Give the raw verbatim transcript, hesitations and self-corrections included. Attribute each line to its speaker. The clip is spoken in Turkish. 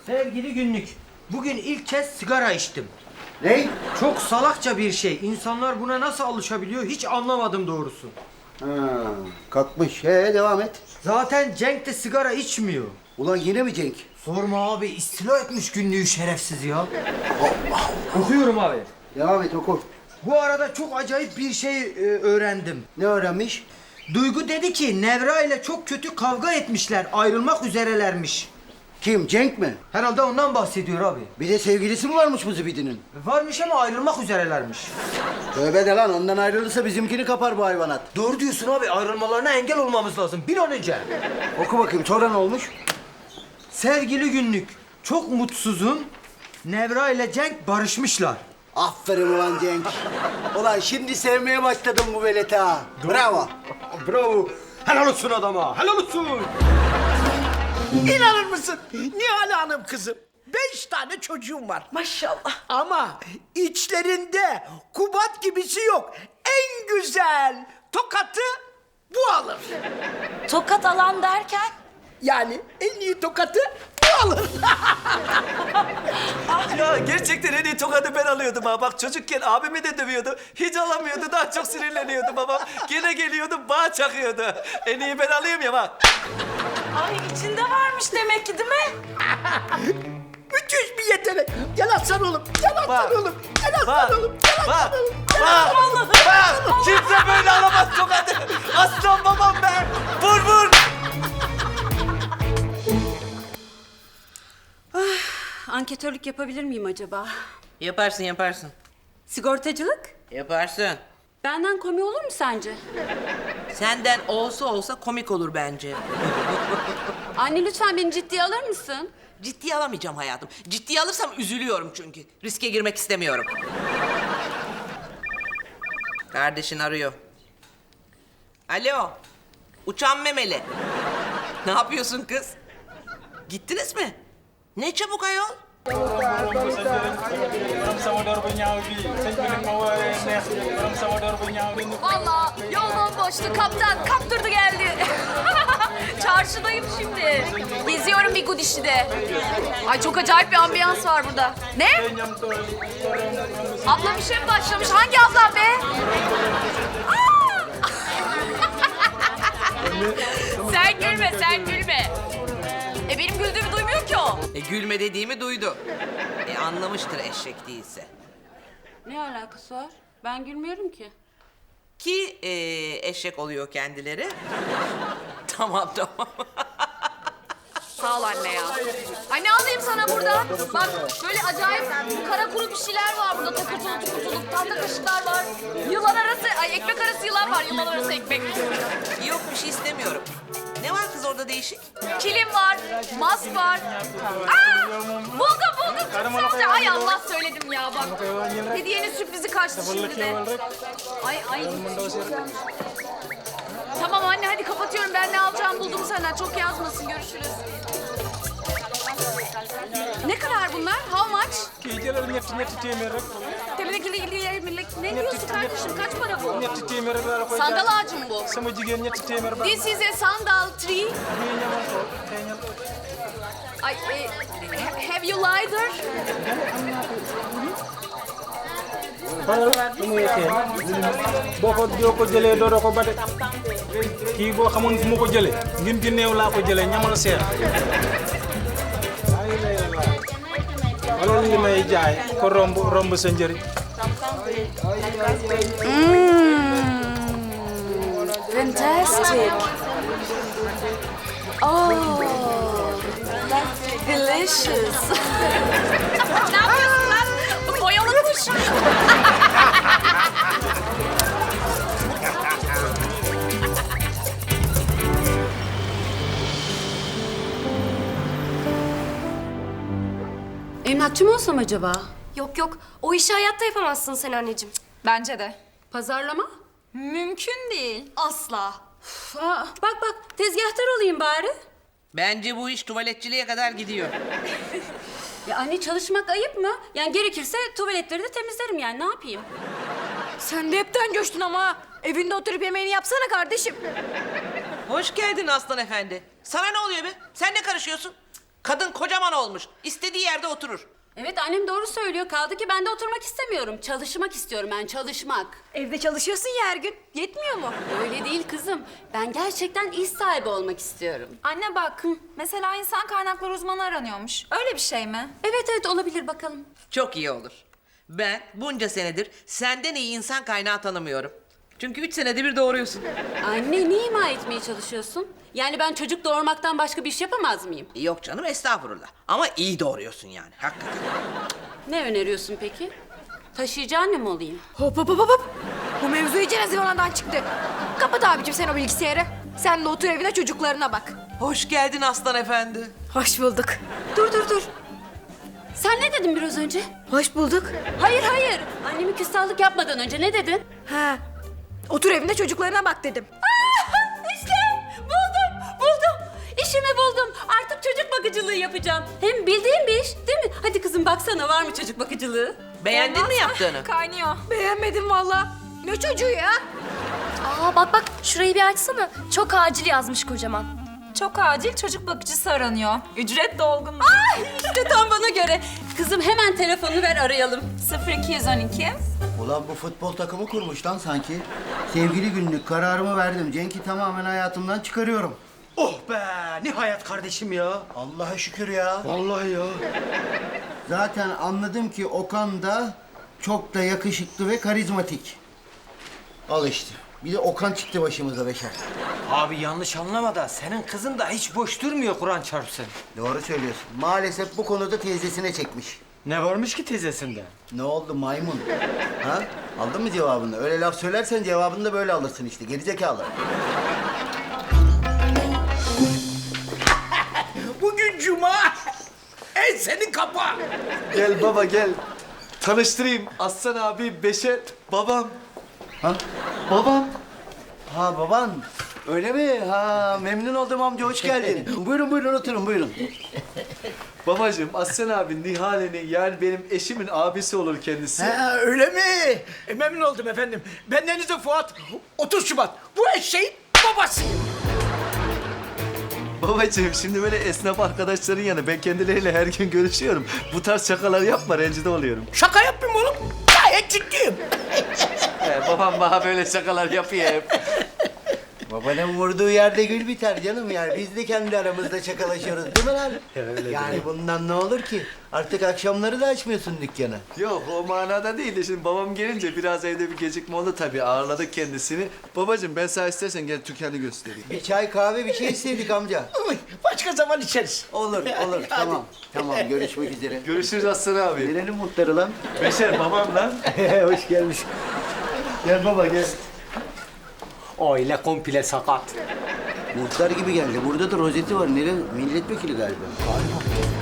Speaker 1: Sevgili günlük, bugün ilk kez sigara içtim.
Speaker 2: Ne?
Speaker 1: Çok salakça bir şey. İnsanlar buna nasıl alışabiliyor hiç anlamadım doğrusu.
Speaker 2: Ha, kalkmış. He, devam et.
Speaker 1: Zaten Cenk de sigara içmiyor.
Speaker 2: Ulan yine mi Cenk?
Speaker 1: Sorma abi, istila etmiş günlüğü şerefsiz ya. Okuyorum abi.
Speaker 2: Devam et, oku.
Speaker 1: Bu arada çok acayip bir şey e, öğrendim.
Speaker 2: Ne öğrenmiş?
Speaker 1: Duygu dedi ki Nevra ile çok kötü kavga etmişler, ayrılmak üzerelermiş.
Speaker 2: Kim? Cenk mi?
Speaker 1: Herhalde ondan bahsediyor abi.
Speaker 2: Bir de sevgilisi mi varmış bu zibidinin?
Speaker 1: Varmış ama ayrılmak üzerelermiş.
Speaker 2: Tövbe de lan, ondan ayrılırsa bizimkini kapar bu hayvanat.
Speaker 1: Doğru diyorsun abi, ayrılmalarına engel olmamız lazım bir an önce.
Speaker 2: Oku bakayım, sonra ne olmuş?
Speaker 1: Sevgili günlük, çok mutsuzum. Nevra ile Cenk barışmışlar.
Speaker 2: Aferin ulan Cenk. Ulan şimdi sevmeye başladım bu veleti ha. Bravo.
Speaker 1: Bravo. Helal olsun adama, helal olsun.
Speaker 3: İnanır mısın Nihal Hanım kızım? Beş tane çocuğum var.
Speaker 4: Maşallah.
Speaker 3: Ama içlerinde Kubat gibisi yok. En güzel tokatı bu alır.
Speaker 4: Tokat alan derken?
Speaker 3: Yani en iyi tokatı bu alır.
Speaker 5: Ya gerçekten en iyi tokadı ben alıyordum ha. Bak çocukken abimi de dövüyordu. Hiç alamıyordu. Daha çok sinirleniyordu babam. Gene geliyordu bağ çakıyordu. En iyi ben alayım ya bak.
Speaker 4: Ay içinde varmış demek ki değil mi?
Speaker 3: Müthiş bir yetenek. Gel aslan oğlum. Gel aslan
Speaker 5: Bak,
Speaker 3: oğlum. Gel aslan
Speaker 5: Bak,
Speaker 3: oğlum. Gel
Speaker 5: bak,
Speaker 3: aslan oğlum. Gel
Speaker 5: bak,
Speaker 3: aslan oğlum.
Speaker 5: bak. Kimse böyle alamaz tokadı. Aslan babam ben. Vur vur.
Speaker 6: Anketörlük yapabilir miyim acaba?
Speaker 7: Yaparsın yaparsın.
Speaker 6: Sigortacılık?
Speaker 7: Yaparsın.
Speaker 6: Benden komik olur mu sence?
Speaker 7: Senden olsa olsa komik olur bence.
Speaker 6: Anne lütfen beni ciddiye alır mısın?
Speaker 7: Ciddiye alamayacağım hayatım. Ciddiye alırsam üzülüyorum çünkü. Riske girmek istemiyorum. Kardeşin arıyor. Alo. Uçan memeli. Ne yapıyorsun kız? Gittiniz mi? Ne çabuk ayol?
Speaker 8: Valla yol bomboştu. Kaptan kaptırdı geldi. Çarşıdayım şimdi. Geziyorum bir Gudişi'de. Ay çok acayip bir ambiyans var burada. Ne? Ablam işe mi başlamış? Hangi ablam be? Aa! Sen gülme, sen gülme. E benim güldüğümü duymuyor ki o.
Speaker 7: E, gülme dediğimi duydu. E, anlamıştır eşek değilse.
Speaker 6: Ne alakası var? Ben gülmüyorum ki.
Speaker 7: Ki e, eşek oluyor kendileri. Tamam tamam.
Speaker 8: Sağ ol anne ya. Ay ne alayım sana burada? Bak böyle acayip kara kuru bir şeyler var burada. Takırtılı tukurtulu tahta kaşıklar var. Yılan arası, ay ekmek arası yılan var. Yılan arası ekmek.
Speaker 7: Yok bir şey istemiyorum. Ne var kız orada değişik?
Speaker 8: Kilim var, mask var. Aa! Buldum buldum. Sadece ay Allah söyledim ya bak. Hediyenin sürprizi kaçtı şimdi de. Ay ay. Tamam anne hadi kapatıyorum. Ben ne alacağımı buldum senden. Çok yazmasın. Görüşürüz. Ne kadar bunlar? How much? Temizlikle ilgili millet. Ne diyorsun kardeşim? Kaç para bu? Sandal ağacı mı bu? This is a sandal tree. Ay, e, ha- have you lighter?
Speaker 9: boo ko doo ko jëlee doo ko ba de kii boo xamoon fu ma ko jëlee ngin gi néew laa ko jëlee ñamal seer ay lay la wala li may jaay ko romb romb sa njëriñ.
Speaker 8: Fantastic. Oh, delicious. Ne yapıyorsun lan? Boyalı kuş.
Speaker 6: Emlakçı mı olsam acaba?
Speaker 10: Yok yok, o işi hayatta yapamazsın sen anneciğim.
Speaker 8: Bence de.
Speaker 6: Pazarlama?
Speaker 8: Mümkün değil. Asla.
Speaker 6: Uf, aa, bak bak tezgahtar olayım bari.
Speaker 7: Bence bu iş tuvaletçiliğe kadar gidiyor.
Speaker 6: Ya anne çalışmak ayıp mı? Yani gerekirse tuvaletleri de temizlerim yani ne yapayım?
Speaker 8: Sen de hepten coştun ama. Evinde oturup yemeğini yapsana kardeşim.
Speaker 7: Hoş geldin Aslan Efendi. Sana ne oluyor be? Sen ne karışıyorsun? Kadın kocaman olmuş. İstediği yerde oturur.
Speaker 6: Evet annem doğru söylüyor. Kaldı ki ben de oturmak istemiyorum. Çalışmak istiyorum ben, çalışmak.
Speaker 8: Evde çalışıyorsun ya her gün. Yetmiyor mu?
Speaker 6: Öyle değil kızım. Ben gerçekten iş sahibi olmak istiyorum.
Speaker 4: Anne bak, mesela insan kaynakları uzmanı aranıyormuş. Öyle bir şey mi?
Speaker 6: Evet evet olabilir bakalım.
Speaker 7: Çok iyi olur. Ben bunca senedir senden iyi insan kaynağı tanımıyorum. Çünkü üç senede bir doğuruyorsun.
Speaker 6: Anne ne ima etmeye çalışıyorsun? Yani ben çocuk doğurmaktan başka bir iş yapamaz mıyım?
Speaker 7: Yok canım, estağfurullah. Ama iyi doğuruyorsun yani, hakikaten.
Speaker 6: Ne öneriyorsun peki? Taşıyıcı anne mi olayım?
Speaker 8: Hop hop hop hop. Bu mevzu iyice zıvanadan çıktı. Kapat abicim sen o bilgisayarı. Sen de otur evine çocuklarına bak.
Speaker 7: Hoş geldin Aslan Efendi.
Speaker 8: Hoş bulduk.
Speaker 6: Dur dur dur. Sen ne dedin biraz önce?
Speaker 8: Hoş bulduk.
Speaker 6: Hayır hayır. Annemi küstahlık yapmadan önce ne dedin?
Speaker 8: Ha. Otur evinde çocuklarına bak dedim.
Speaker 6: İşte buldum buldum. İşimi buldum. Artık çocuk bakıcılığı yapacağım. Hem bildiğim bir iş değil mi? Hadi kızım baksana var mı çocuk bakıcılığı?
Speaker 7: Beğendin mi yaptığını?
Speaker 4: Kaynıyor.
Speaker 8: Beğenmedim valla. Ne çocuğu ya?
Speaker 10: Aa bak bak şurayı bir açsana. Çok acil yazmış kocaman.
Speaker 4: Çok acil çocuk bakıcısı aranıyor. Ücret dolgun.
Speaker 6: Ay işte tam bana göre. Kızım hemen telefonunu ver arayalım.
Speaker 4: sıfır iki yüz on iki.
Speaker 2: Ulan bu futbol takımı kurmuş lan sanki. Sevgili günlük kararımı verdim. Cenk'i tamamen hayatımdan çıkarıyorum.
Speaker 1: Oh be nihayet kardeşim ya.
Speaker 2: Allah'a şükür ya.
Speaker 1: Vallahi ya.
Speaker 2: Zaten anladım ki Okan da çok da yakışıklı ve karizmatik. Al işte. Bir de Okan çıktı başımıza Beşer.
Speaker 1: Abi yanlış anlama da senin kızın da hiç boş durmuyor Kur'an çarpsın.
Speaker 2: Doğru söylüyorsun. Maalesef bu konuda teyzesine çekmiş.
Speaker 1: Ne varmış ki teyzesinde?
Speaker 2: Ne oldu maymun? Ha? Aldın mı cevabını? Öyle laf söylersen cevabını da böyle alırsın işte. Gerizekalı.
Speaker 3: Bugün cuma. En seni kapa.
Speaker 5: Gel baba gel. Tanıştırayım. Aslan abi, Beşer, babam.
Speaker 2: Ha?
Speaker 5: Babam.
Speaker 2: Ha baban. Öyle mi? Ha memnun oldum amca. Hoş geldin. buyurun buyurun oturun buyurun.
Speaker 5: Babacığım, Aslan abi Nihale'nin, yani benim eşimin abisi olur kendisi.
Speaker 3: Ha, öyle mi? E, memnun oldum efendim. Bendeniz de Fuat. otuz Şubat. Bu eşeğin babasıyım.
Speaker 5: Babacığım şimdi böyle esnaf arkadaşların yanı, ben kendileriyle her gün görüşüyorum. Bu tarz şakalar yapma, rencide oluyorum.
Speaker 3: Şaka yapmıyorum oğlum. Gayet ciddiyim.
Speaker 5: He, babam bana böyle şakalar yapıyor hep.
Speaker 2: Babanın vurduğu yerde gül biter canım yani. Biz de kendi aramızda şakalaşıyoruz değil mi lan? Yani bundan ne olur ki? Artık akşamları da açmıyorsun dükkanı.
Speaker 5: Yok o manada değil de şimdi babam gelince biraz evde bir gecikme oldu tabii, ağırladık kendisini. Babacığım ben sana istersen gel dükkanı göstereyim.
Speaker 2: Bir çay kahve bir şey istedik amca.
Speaker 3: Uy, başka zaman içeriz.
Speaker 2: Olur olur tamam. Tamam görüşmek üzere.
Speaker 5: Görüşürüz Aslan abi.
Speaker 2: Nerenin muhtarı lan?
Speaker 5: Beşer babam lan.
Speaker 2: Hoş gelmiş.
Speaker 5: Gel baba gel.
Speaker 9: Aile komple sakat.
Speaker 2: Muhtar gibi geldi. Burada da rozeti var. Nere? Milletvekili galiba.